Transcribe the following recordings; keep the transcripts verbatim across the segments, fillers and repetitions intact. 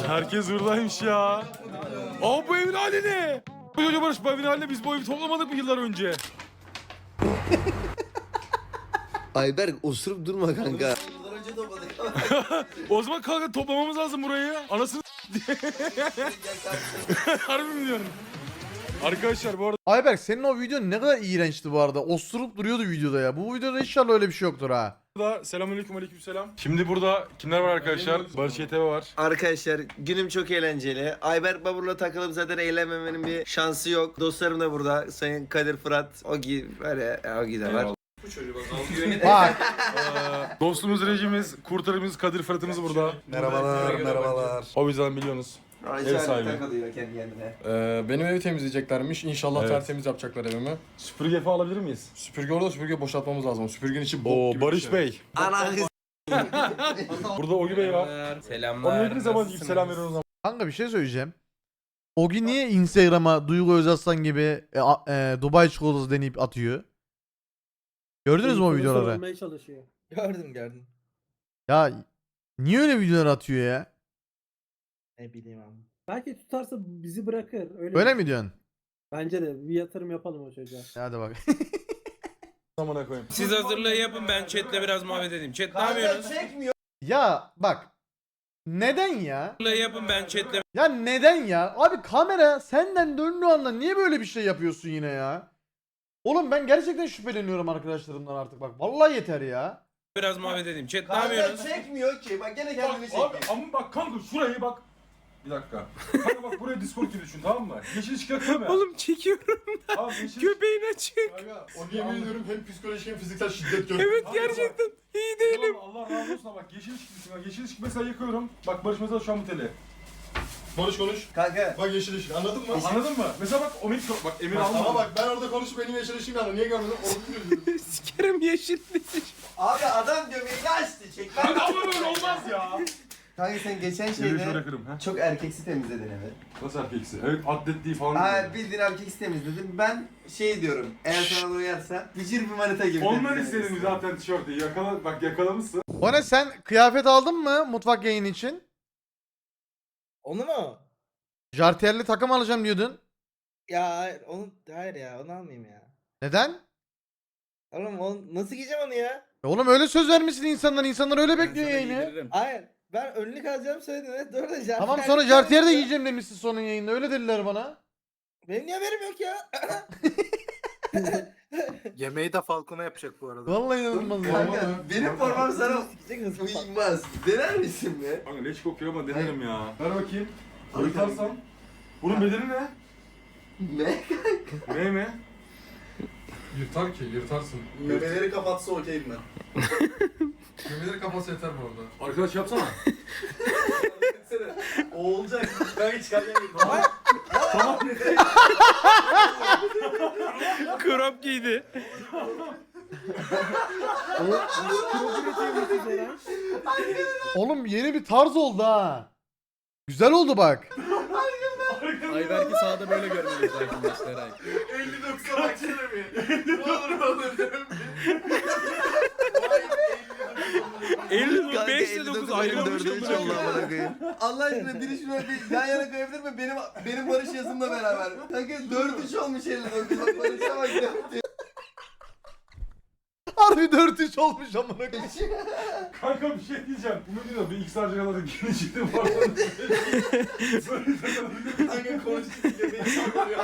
Herkes buradaymış ya. Aa bu evin hali ne? Hoca Barış bu evin haline biz bu evi toplamadık mı yıllar önce? Ayberk osurup durma kanka. O zaman kanka toplamamız lazım burayı. Anasını harbi mi diyorsun? Arkadaşlar bu arada Ayberk senin o video ne kadar iğrençti bu arada. Osurup duruyordu videoda ya. Bu videoda inşallah öyle bir şey yoktur ha. selamünaleyküm aleykümselam. Şimdi burada kimler var arkadaşlar? Barış Y T V var. Arkadaşlar günüm çok eğlenceli. Ayberk Babur'la takılıp zaten eğlenmemenin bir şansı yok. Dostlarım da burada. Sayın Kadir, Fırat, Ogi var ya. Ogi de var. Bak. Ee, dostumuz, rejimiz, kurtarımız, Kadir Fırat'ımız burada. Merhabalar, merhabalar. O yüzden biliyorsunuz. Ev sahibi. Takılıyor kendi kendine. Ee, benim evi temizleyeceklermiş. İnşallah Evet. tertemiz yapacaklar evimi. Süpürge falan alabilir miyiz? Süpürge orada, süpürge boşaltmamız lazım. Süpürgenin içi bok Oo gibi Barış bir şey. Bey. Ana kız. Burada Ogi Bey var. Selamlar. Onun ne zaman ilk selam veriyoruz ama. Kanka bir şey söyleyeceğim. Ogi niye Instagram'a Duygu Özaslan gibi e, a- e, Dubai çikolatası deneyip atıyor? Gördünüz mü o videoları? Olmaya çalışıyor. Gördüm gördüm. Ya niye öyle videolar atıyor ya? Ne bileyim abi. Belki tutarsa bizi bırakır. Öyle, Öyle mi diyorsun? Bence de bir yatırım yapalım o çocuğa. Hadi bak. Amına koyayım. Siz hazırlığı yapın, ben chatle biraz muhabbet edeyim. Chat ne yapıyorsunuz? Ya bak. Neden ya? Hazırlığı yapın, ben chatle Ya neden ya? Abi kamera senden döndüğü anda niye böyle bir şey yapıyorsun yine ya? Oğlum ben gerçekten şüpheleniyorum arkadaşlarımdan artık bak. Vallahi yeter ya. biraz muhabbet edeyim. Chat ne Kanka yapıyorsunuz? çekmiyor ki. Bak gene kendini Bak, çekiyor. abi ama bak kanka şurayı bak. Bir dakika. Kanka bak buraya Discord gibi düşün tamam mı? Yeşil ışık yakıyor mu? Oğlum çekiyorum. Abi yeşil Köpeğin açık. Onu yemin ediyorum hem psikolojik hem fiziksel şiddet gör. Evet Abi gerçekten. İyi değilim. Tamam, Allah razı olsun ama bak yeşil ışık düşün. Bak yeşil ışık mesela yakıyorum. Bak Barış mesela şu an bu tele. Barış konuş. Kanka. Bak yeşil ışık anladın mı? Anladın mı? Mesela bak o mikro bak Emir Bak, almadı. ama bak ben orada konuşup benim yeşil ışığım yandı. Niye görmedin? Onu Sikerim yeşil. Abi adam göbeğini açtı. Çek. Kanka ama böyle olmaz ya. Kanka sen geçen Yürü şöyle şeyde kırım ha. çok erkeksi temizledin evi. Nasıl erkeksi? Evet atletliği falan. Ha diyor. bildiğin erkeksi temizledim. Ben şey diyorum. Eğer sana da uyarsa bicir bir manita gibi. Ondan temizlemek istedim istiyorum. zaten tişörtü. Yakala, bak yakalamışsın. Bana sen kıyafet aldın mı mutfak yayını için? Onu mu? Jartiyerli takım alacağım diyordun. Ya hayır, onu hayır ya, onu almayayım ya. Neden? Oğlum onu, nasıl giyeceğim onu ya? E Oğlum öyle söz vermişsin insanlar. İnsanlar öyle bekliyor yayını. Hayır. Ben önlük alacağım söyledim. Evet doğru da jartiyer. Tamam sonra jartiyer de giyeceğim demişsin sonun yayında. Öyle dediler bana. Benim niye haberim yok ya? Yemeği de Falcon'a yapacak bu arada. Vallahi inanılmaz ya. Kanka benim formam sana Sikecek hızlı falan. uymaz. Dener misin be? Kanka leş kokuyor ama denerim ya. Ver bakayım. Abi, Yırtarsam. Bunun bedeli ne? Ne? Ne mi? Yırtar ki yırtarsın. Memeleri kapatsa okeyim ben. Memeleri kapatsa yeter bu arada. Arkadaş yapsana. O olacak. Ben hiç kalmayayım. Krop giydi. Oğlum yeni bir tarz oldu ha. Güzel oldu bak. Ayberk'i sahada böyle görmeliyiz arkadaşlar. elli doksan baksana bir. Ne olur ne olur. elli beş ile dokuz ayrılmış. Allah aşkına biri şuna bir yan yana koyabilir mi? Benim benim Barış yazımla beraber. Kanka dört üç olmuş elli dokuz. Bak Barış'a bak dört üç. Harbi dört üç olmuş amına koyayım. Kanka bir şey diyeceğim. Bunu diyor bir iki saat kadar da geniş çıktım var. Kanka konuştuk yemeği sallıyor.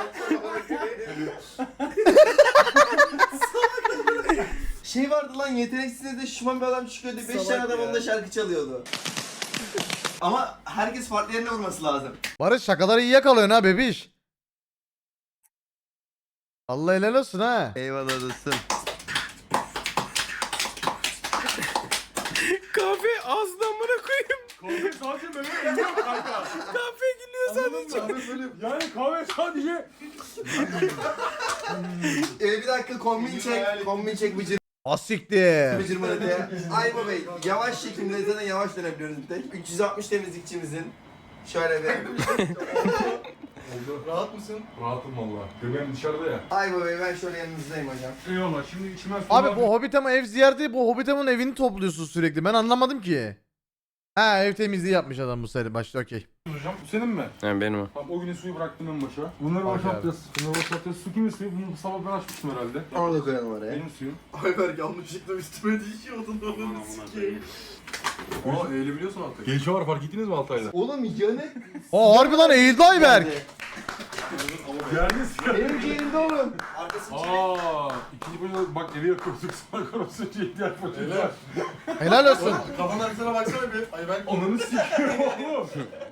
Şey vardı lan yeteneksizde de şuman bir adam çıkıyordu. beş Salak tane adam ya. onda şarkı çalıyordu. Ama herkes farklı yerine vurması lazım. Barış şakaları iyi yakalıyorsun ha bebiş. Allah helal olsun ha. Eyvallah dostum. Kahve ağzına amına koyayım. Kahve sadece meme yiyor kanka. Kahve gülüyor sadece. Yani kahve sadece. Ee, bir dakika kombin çek. Kombin çek bıcır Asiktir. bıcır manitaya. Ayba Bey yavaş çekimde zaten yavaş dönebiliyoruz bir tek. üç yüz altmış temizlikçimizin. Şöyle bir. Rahat mısın? Rahatım valla. Göbeğim dışarıda ya. Ayba Bey ben şöyle yanınızdayım hocam. Eyvallah şimdi içime su Abi var. bu Hobbitama ev ziyareti bu Hobbitama'nın evini topluyorsun sürekli. Ben anlamadım ki. Ha ev temizliği yapmış adam bu sene başta okey. Hocam bu senin mi? Yani benim o. Tamam o güne suyu bıraktım en başa. Bunları Bak boşaltacağız. Bunları boşaltacağız. Su kimin suyu? Bunu sabah ben açmıştım herhalde. Onu da koyalım oraya. Benim suyum. Ayberk yanlışlıkla üstüme düşüyordun onu sikeyim. Aa eğilebiliyorsun artık. Gelişe var fark ettiniz mi Altay'da? Oğlum yanık. Aa harbi lan eğildi Ayberk. Geldiniz ya. Benim ciğerimde oğlum. Aaa. İkinci bölümde bak evi yakıyorduk. Sonra korosuyunca ihtiyaç var. Helal olsun. Kafanın arkasına baksana bir. Ayberk. Ananı sikiyorum oğlum.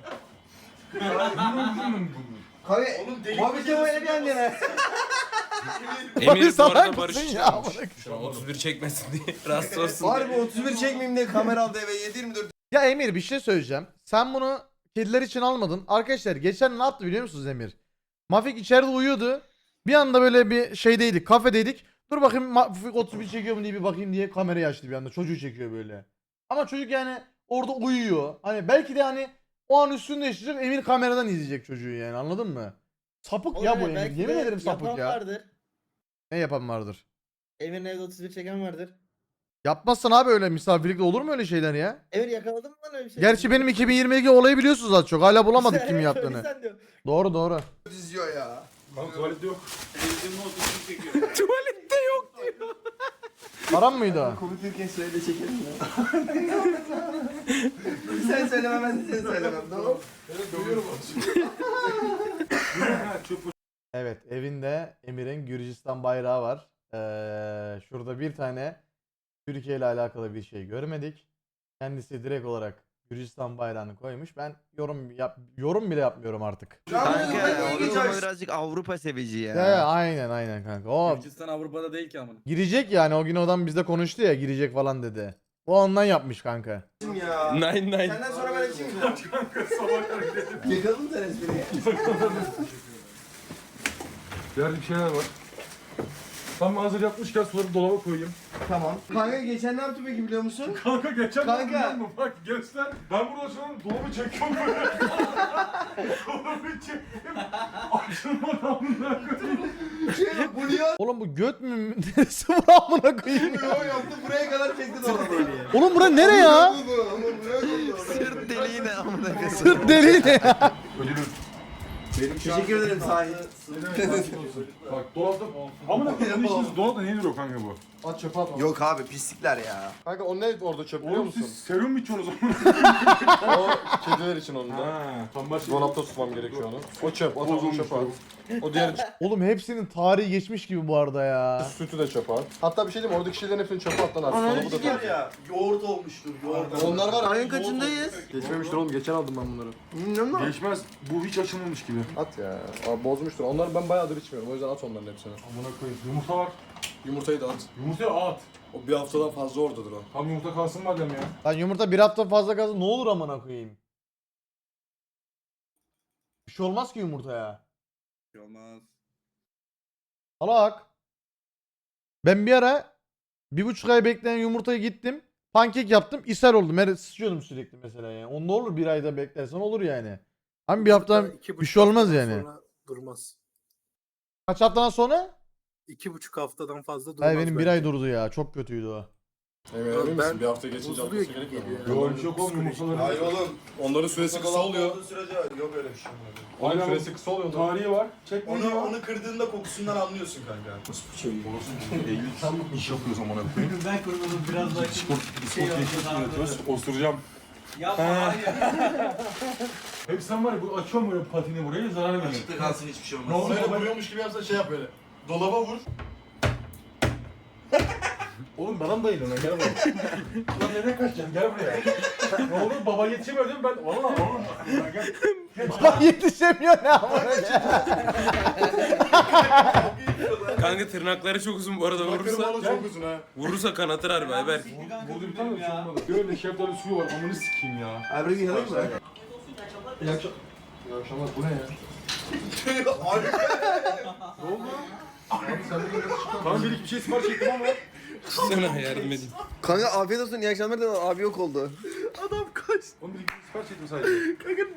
Kahve. Oğlum deli. Abi Kemal öyle bir yan yana. Emir bu salak arada mısın Barış ya? çalmış. Şu an otuz bir çekmesin diye. Rahatsız olsun diye. Harbi otuz bir çekmeyeyim diye kamera aldı eve yedi yirmi dört. Ya Emir bir şey söyleyeceğim. Sen bunu kediler için almadın. Arkadaşlar geçen ne yaptı biliyor musunuz Emir? Mafik içeride uyuyordu. Bir anda böyle bir şeydeydik, kafedeydik. Dur bakayım Mafik otuz bir çekiyor mu diye bir bakayım diye kamerayı açtı bir anda. Çocuğu çekiyor böyle. Ama çocuk yani orada uyuyor. Hani belki de hani o an üstünde yaşayacak, Emir kameradan izleyecek çocuğu yani, anladın mı? Sapık ya bu Emir. Belki Yemin de ederim sapık yapan ya. vardır. Ne yapan vardır? Emir'in evde otuz bir çeken vardır. Yapmazsan abi öyle misafirlikte olur mu öyle şeyler ya? Emir yakaladın mı lan öyle bir şey? Gerçi benim iki bin yirmi iki olayı biliyorsunuz az çok. Hala bulamadık Sen kim evet, yaptığını. öylesen diyor. Doğru doğru. Diziyor ya. Kanka tuvalette yok. Tuvalette yok diyor. Param mıydı o? Konuşurken söyle çekelim ya. Sen söyleme ben de seni söylemem tamam. Evet, evinde Emir'in Gürcistan bayrağı var. Ee, şurada bir tane Türkiye ile alakalı bir şey görmedik. Kendisi direkt olarak Gürcistan bayrağını koymuş. Ben yorum yap yorum bile yapmıyorum artık. Kanka o zaman birazcık Avrupa sevici ya. Ya, ya, aynen aynen kanka. O Gürcistan Avrupa'da değil ki amına. girecek yani, o gün adam bizde konuştu ya, girecek falan dedi. O ondan yapmış kanka. ya. Nine nine. Senden sonra ben açayım mı? Kanka sabah kadar Yakalım sen espriyi. Yerde bir şeyler var. Tam hazır yapmışken suları dolaba koyayım. Tamam. Kanka geçen ne yaptı peki biliyor musun? Kanka geçen Kanka. biliyor musun? Bak göster. Ben burada şu an dolabı çekiyorum böyle. Dolabı çektim. Açılmadı amına koyayım. Şey bu niye Oğlum bu göt mü? Neresi bu amına koyayım? atmıyor yaptı buraya kadar çekti dolabı. Oğlum bura nere ya? Sırt deliği ne amına koyayım. Sırt deliği ne ya? Ödülüm. Teşekkür ederim sahip. Bak dolapta... Amına koyayım işiniz dolapta niye duruyor kanka bu? At çöpe at. Yok abi pislikler ya. Kanka o ne orada çöp biliyor Oğlum musun? siz serum mu içiyorsunuz o zaman? O kediler için onun da. Ha, tam başka... Dolapta tutmam gerekiyor onu. O çöp, at onu Bozulmuş çöpe at. bu. O diğer Oğlum hepsinin tarihi geçmiş gibi bu arada ya. sütü de çöpe at. Hatta bir şey diyeyim mi? Oradaki şeylerin hepsini çöpe at lan artık. Dolabı da tut. ya. Yoğurt olmuştur yoğurt. Onlar var. Ayın kaçındayız? Geçmemiştir oğlum. Geçen aldım ben bunları. Bilmiyorum ama. Değişmez. Bu hiç açılmamış gibi. At ya. Abi bozmuştur. Onları ben bayağıdır içmiyorum. O yüzden at onların hepsini. Amına koyayım. Yumurta var. Yumurtayı da at. Yumurtaya at. O bir haftadan fazla oradadır o. Tam yumurta kalsın madem ya. Lan yumurta bir hafta fazla kalsın ne olur amına koyayım. Bir şey olmaz ki yumurtaya. Olmaz. Salak. Ben bir ara bir buçuk ay bekleyen yumurtayı gittim. Pankek yaptım. ishal oldum. Her sıçıyordum sürekli mesela yani. O ne olur bir ayda beklersen olur yani. Ama bir hafta bir şey olmaz yani. Durmaz. Kaç haftadan sonra? İki buçuk haftadan fazla durmaz. Hayır benim bir ay durdu ya. Çok kötüydü o. Evet, emin Ben- misin? Bir hafta geçince Bozuluyor atması gibi gerekmiyor mu? geliyor. Yok bir şey yok oğlum yumurtaları. Hayır oğlum. Onların süresi kısa oluyor. sürece yok öyle bir şey. Onun Aynen. süresi kısa oluyor. Tarihi var. Çekme Onu, diyor. onu kırdığında kokusundan anlıyorsun kanka. Eylül tam iş yapıyoruz amına koyayım. Ben kurulum biraz daha spor spor yapıyoruz. Osuracağım. Yapma hayır. Hep sen var ya bu açıyorum böyle patini buraya zarar veriyor. Açıkta kalsın hiçbir şey Ne olmaz. oldu? Böyle Baba? vuruyormuş gibi yapsa şey yap böyle. Dolaba vur. Oğlum bana mı bayılıyorsun lan gel buraya. Lan nereye kaçacaksın gel buraya. Ne olur baba yetişemiyor değil mi ben? Valla oğlum. Gel. Gel. Bak yetişemiyor ne amına. Kanka tırnakları çok uzun bu arada Bakırım vurursa. oğlum çok uzun ha. Vurursa kanatır harbi Ayberk. Burada bir tane de şey olmadı. Böyle şeftali suyu var amını sikeyim ya. Abi bir yanayım mı? İyi akşam. İyi akşamlar. Bu ne ya? Tamam bir iki bir şey sipariş ettim ama. Sana yardım edeyim. Kanka afiyet olsun iyi akşamlar da abi yok oldu. Oğlum bir iki sipariş ettim sadece.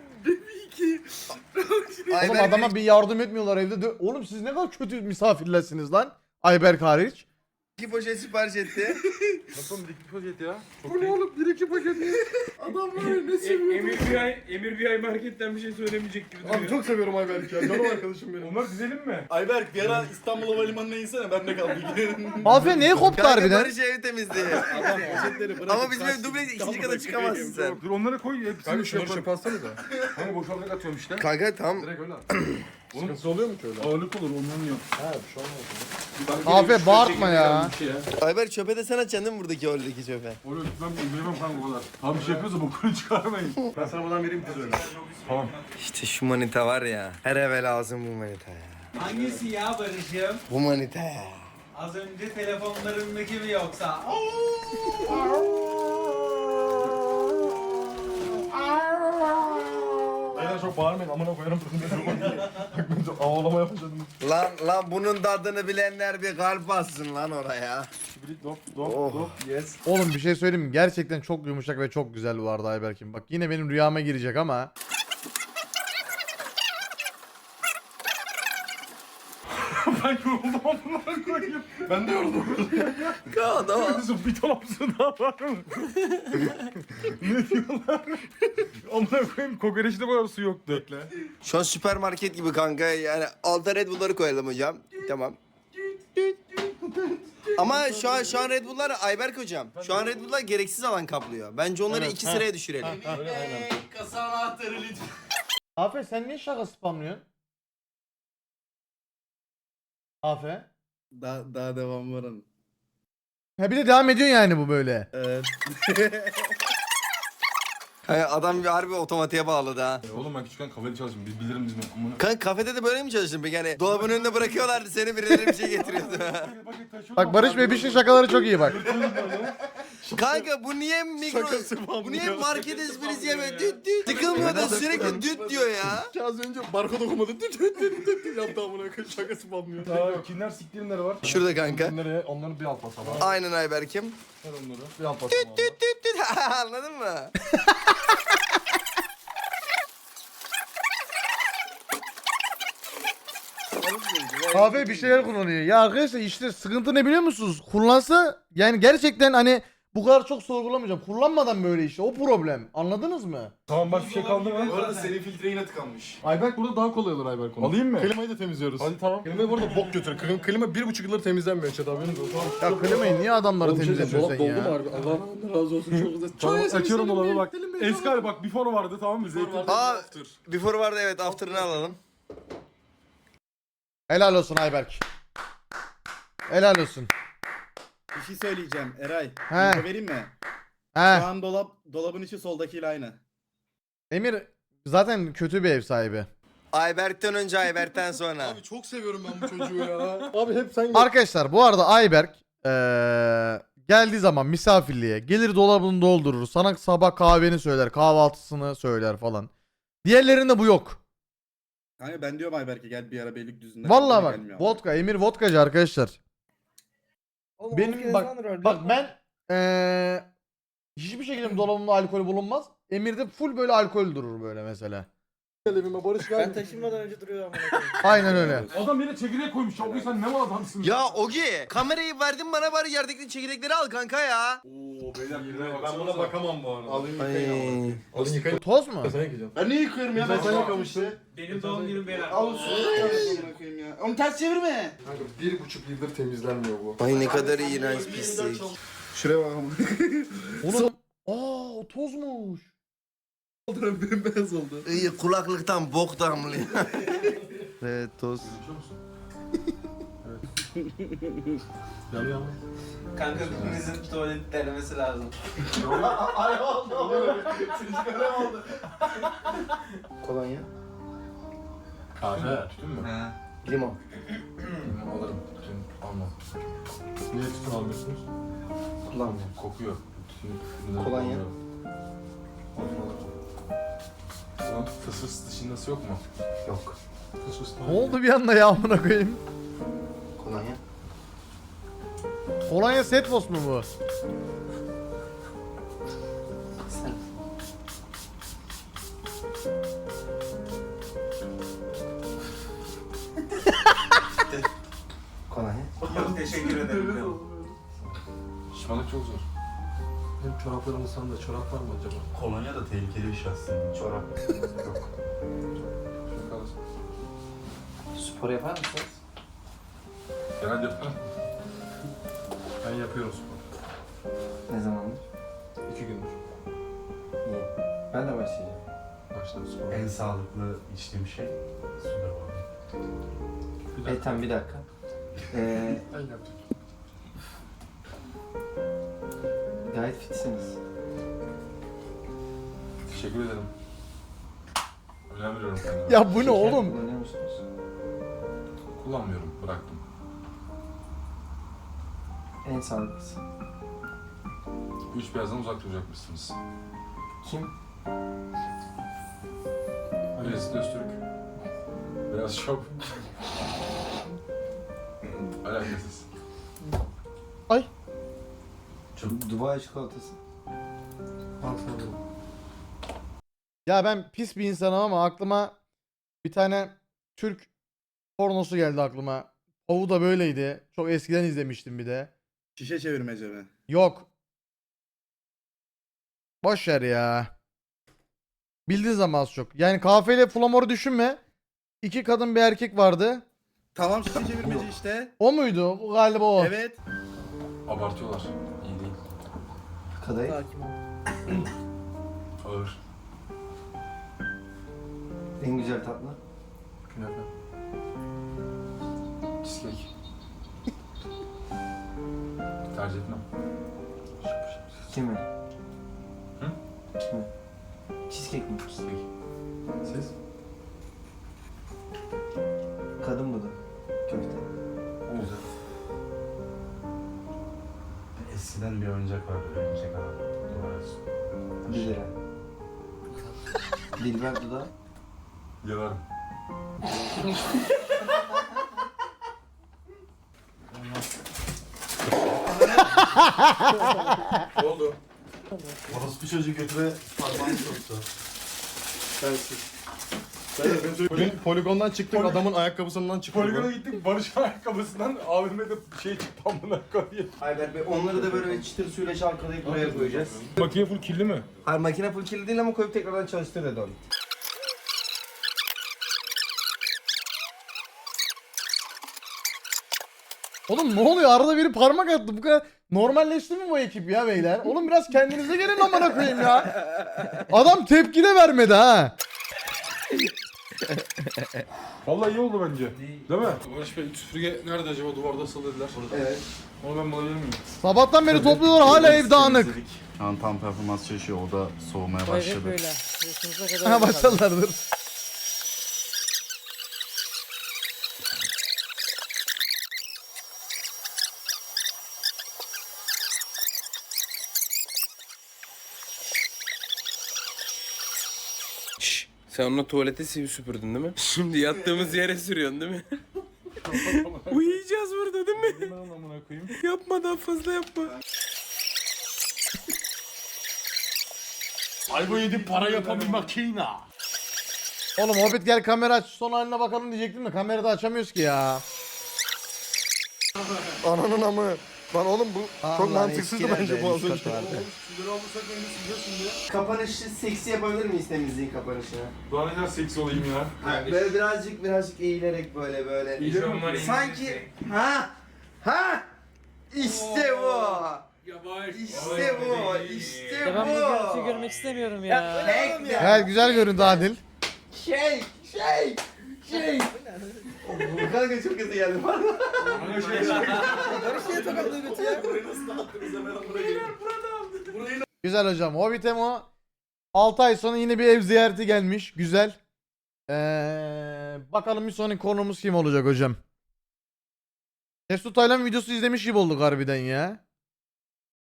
Oğlum adama bir yardım etmiyorlar evde. De- Oğlum siz ne kadar kötü misafirlersiniz lan. Ayberk hariç. İki poşet sipariş etti. Nasıl bir iki paket ya? Bu ne oğlum? Bir iki paket ne? Adam var ya ne seviyor? Emir bir ay, Emir bir ay marketten bir şey söylemeyecek gibi duruyor. Abi çok seviyorum Ayberk'i ya. Canım arkadaşım benim. Onlar dizelim mi? Ayberk bir ara İstanbul Havalimanı'na insene ben de kal bilgi. Mafya niye koptu Kanka harbiden? Barış ev temizliği. Adam poşetleri bırakıp Ama bizim ev dubleks ikinci kata çıkamazsın sen. Dur onları koy hepsini Kanka şey şunları yaparım. çöpe atsana da. Hani boşaltarak atıyorum işte. Kanka tamam. Direkt öyle at. Sıkıntısı oluyor mu ki öyle? Ağırlık olur ondan yok. Ha bir şey olmaz. Afiyet bağırtma ya. Bir şey ya. Ayber çöpe de sen atacaksın değil mi buradaki oradaki çöpe? Oraya gitmem bilemem kanka o kadar. Tam bir şey yapıyorsa bokunu çıkarmayın. Ben sana buradan vereyim kız öyle. Tamam. İşte şu manita var ya. Her eve lazım bu manita ya. Hangisi ya Barış'ım? Bu manita ya. Az önce telefonlarındaki mi yoksa? Aynen çok bağırmayın amına koyarım. Bak ben çok ağlama yapacağım. Lan lan bunun tadını bilenler bir kalp bassın lan oraya. Dop dop Oh. dop yes. Oğlum bir şey söyleyeyim mi? Gerçekten çok yumuşak ve çok güzel bu arada Ayberk'im. Bak yine benim rüyama girecek ama. Ben yoruldum amına koyayım. Ben de yoruldum. Tamam. Bir dolapsın daha var mı? Ne diyorlar? Amına koyayım kokoreçte kadar su yoktu. Bekle. Şu an süpermarket gibi kanka yani alta Red Bull'ları koyalım hocam. Tamam. Ama şu an şu an Red Bull'lar Ayberk hocam. Şu an Red Bull'lar gereksiz alan kaplıyor. Bence onları iki sıraya düşürelim. Kasa anahtarı lütfen. Afe sen niye şaka spamlıyorsun? Afe. Daha, daha devam var onun. Ha bir de devam ediyor yani bu böyle. Evet. Kanka adam bir harbi otomatiğe bağladı ha. E oğlum ben küçükken kafede çalıştım. Biz bilirim biz mi? Amına. Kanka kafede de böyle mi çalıştın peki? Yani dolabın önünde bırakıyorlardı seni birileri bir şey getiriyordu. Bak Barış Bey bir şey şakaları çok iyi bak. Kanka bu niye mikro... Bu niye market esprisi yeme? Düt düt. Tıkılmıyor da sürekli düt diyor ya. Az önce barkod okumadı. Düt düt düt düt düt yaptı amına koyayım şakası banmıyor. Aa, kimler siktirimleri var? Şurada kanka. Nereye? Onları bir alt basalım. Aynen Ayberk'im. Ver onları. Bir alt basalım. Düt düt düt düt. Anladın mı? Afe bir şeyler kullanıyor. Ya arkadaşlar işte sıkıntı ne biliyor musunuz? Kullansa yani gerçekten hani bu kadar çok sorgulamayacağım. Kullanmadan böyle işte o problem. Anladınız mı? Tamam başka bir şey kaldı mı? Bu arada senin filtre yine tıkanmış. Ayberk burada daha kolay olur Ayberk onu. Alayım mı? Klimayı da temizliyoruz. Hadi tamam. Klimayı burada bok götür. Klima, klima bir buçuk yıldır temizlenmiyor Çet haberiniz olsun. Ya klimayı niye adamları Oğlum bir şey diyeceğim, temizletiyorsun sen dolap ya? doldu mu harbi? Allah razı olsun çok güzel. Tamam Çok açıyorum güzel, dolabı bak. Selim Bey, Eski hali bak before vardı tamam mı? Zeytin. Aa, before vardı evet after'ını alalım. Helal olsun Ayberk. Helal olsun. Bir şey söyleyeceğim Eray. He. Info vereyim mi? Şu He. an dolap dolabın içi soldakiyle aynı. Emir zaten kötü bir ev sahibi. Ayberk'ten önce Ayberk'ten sonra. Abi çok seviyorum ben bu çocuğu ya. Abi hep sen Arkadaşlar bu arada Ayberk eee, geldiği zaman misafirliğe gelir dolabını doldurur. Sana sabah kahveni söyler, kahvaltısını söyler falan. Diğerlerinde bu yok. Kanka ben diyorum Ayberk'e gel bir ara Beylikdüzü'nde. Vallahi Gelmiyor bak ama. vodka, Emir vodkacı arkadaşlar. Oğlum, Benim maskenizi bak- alır öyle. Bak ben eee hiçbir şekilde dolabımda alkol bulunmaz. Emir'de full böyle alkol durur böyle mesela. evime Barış Ben ver. taşınmadan önce duruyor amına koyayım. Aynen öyle. Adam yine çekirdek koymuş. Abi sen ne mal adamsın? Ya Ogi kamerayı verdin bana bari yerdeki çekirdekleri al kanka ya. Oo beyler birine Ben buna bakamam bu arada. Alayım Ay. yıkayın abi. Alın yıkayın. Toz mu? Sen yıkayacaksın. Ben niye yıkıyorum ya? Ben sen yıkamıştın. Benim doğum günüm beyler. Al su koyayım ya. Onu ters çevirme. Kanka bir buçuk yıldır temizlenmiyor bu. Ay ne kadar iğrenç pislik. Şuraya bak ama. Oğlum aa o tozmuş. Bembeyaz oldu. İyi kulaklıktan bok damlıyor. Evet toz. Kanka birinizin tuvalet denemesi lazım. Ay oldu oldu. Böyle oldu. Kolonya. Kahve. Tütün mü? Limon. Alırım. Tütün almam. Niye tütün almıyorsunuz? Kullanmıyorum. Kokuyor. Tütün. Kolonya. Lan fıs fıs dışındası yok mu? Yok. Fıs fıs Ne oldu bir anda ya amına koyayım? Kolonya. Kolonya Setfos mu bu? Kolonya. Yok teşekkür ederim. Alışmalık çok zor. Benim çoraplarımın sanda çorap var mı acaba? Kolonya da tehlikeli bir şey aslında. Çorap. Yok. Şöyle kalırsın. Spor yapar mısınız? Genelde yaparım. Ben yapıyorum spor. Ne zamandır? İki gündür. İyi. Ben de başlayacağım. Başladım spor. En sağlıklı içtiğim şey sudur bu arada. Bir E dakika. tamam bir dakika. Ee, Ben yaptım. gayet fitsiniz. Teşekkür ederim. Önem veriyorum kendime. Ya bu ne Şeker oğlum? kullanıyor musunuz? Kullanmıyorum, bıraktım. En sağlıklısı. Üç beyazdan uzak duracakmışsınız. Kim? Birisi Öztürk. Beyaz şop. Alakasız. Çok Dubai çikolatası. Al sana. Ya ben pis bir insanım ama aklıma bir tane Türk pornosu geldi aklıma. Ovu da böyleydi. Çok eskiden izlemiştim bir de. Şişe çevirmece mi? Yok. Boş ver ya. Bildiğin zaman az çok. Yani kahveyle flamor düşünme. İki kadın bir erkek vardı. Tamam şişe çevirmece işte. O muydu? O galiba o. Evet. Abartıyorlar. İyi değil. Kadayıf. Hakim ol. Ağır. En güzel tatlı. Künefe. Cheesecake. Tercih etmem. Kimi? Hı? Kimi? Cheesecake mi? Cheesecake. Siz? Kadın bu da. Köfte. Güzel. Eskiden bir oyuncak vardı. Oyuncak adam. Duvara Bir lira. Dilber dudağı. Yalarım. Ne oldu? Orospu çocuğu götüre parmağını soktu. Sensiz. Bugün poligondan çıktık, adamın ayakkabısından çıktık. Poligona gittik, Barış'ın ayakkabısından abime de şey çıktı amına koyayım. Ayber Bey onları da böyle bir çıtır suyla çalkalayıp buraya koyacağız. Makine full kirli mi? Hayır makine full kirli değil ama koyup tekrardan çalıştır dedi onu. Oğlum ne oluyor? Arada biri parmak attı. Bu kadar normalleşti mi bu ekip ya beyler? Oğlum biraz kendinize gelin amına koyayım ya. Adam tepki de vermedi ha. Vallahi iyi oldu bence. Değil mi? Barış Bey süpürge nerede acaba? Duvarda asılı dediler. Evet. Onu ben bulabilir miyim? Sabahtan beri topluyorlar hala ev dağınık. Şu an tam performans çalışıyor. O da soğumaya O ev hep başladı. böyle. Yaşınıza kadar. Ha öyle kaldı. başladılardır. Şşş. Sen onunla tuvalete sivi süpürdün değil mi? Şimdi yattığımız yere sürüyorsun değil mi? Uyuyacağız burada değil mi? Ben onu amına koyayım. Yapma daha fazla yapma. Ay bu yedi para yapan bir makina. Oğlum Hobbit gel kamera aç son haline bakalım diyecektim de kamerada açamıyoruz ki ya. Ananın amı. Lan oğlum bu çok Allah, mantıksızdı eskilerde bence bu az üst önce. kat vardı. Sizleri alırsak önce sileceğiz şimdi. Kapanışı seksi yapabilir miyiz temizliğin kapanışını? Daha ne kadar seksi olayım ya. Ha, böyle birazcık birazcık eğilerek böyle böyle. İyice var, Sanki ha ha işte bu. İşte bu. İşte Ya ben bu görüntüyü bu. görmek istemiyorum ya. Bekle. Gel güzel göründü Adil. Şey şey şey. Bu kanka çok hızlı geldi bana. Güzel hocam. Hobbit Emo altı ay sonra yine bir ev ziyareti gelmiş. Güzel. Ee, bakalım bir sonraki konumuz kim olacak hocam. Mesut Taylan videosu izlemiş gibi olduk harbiden ya.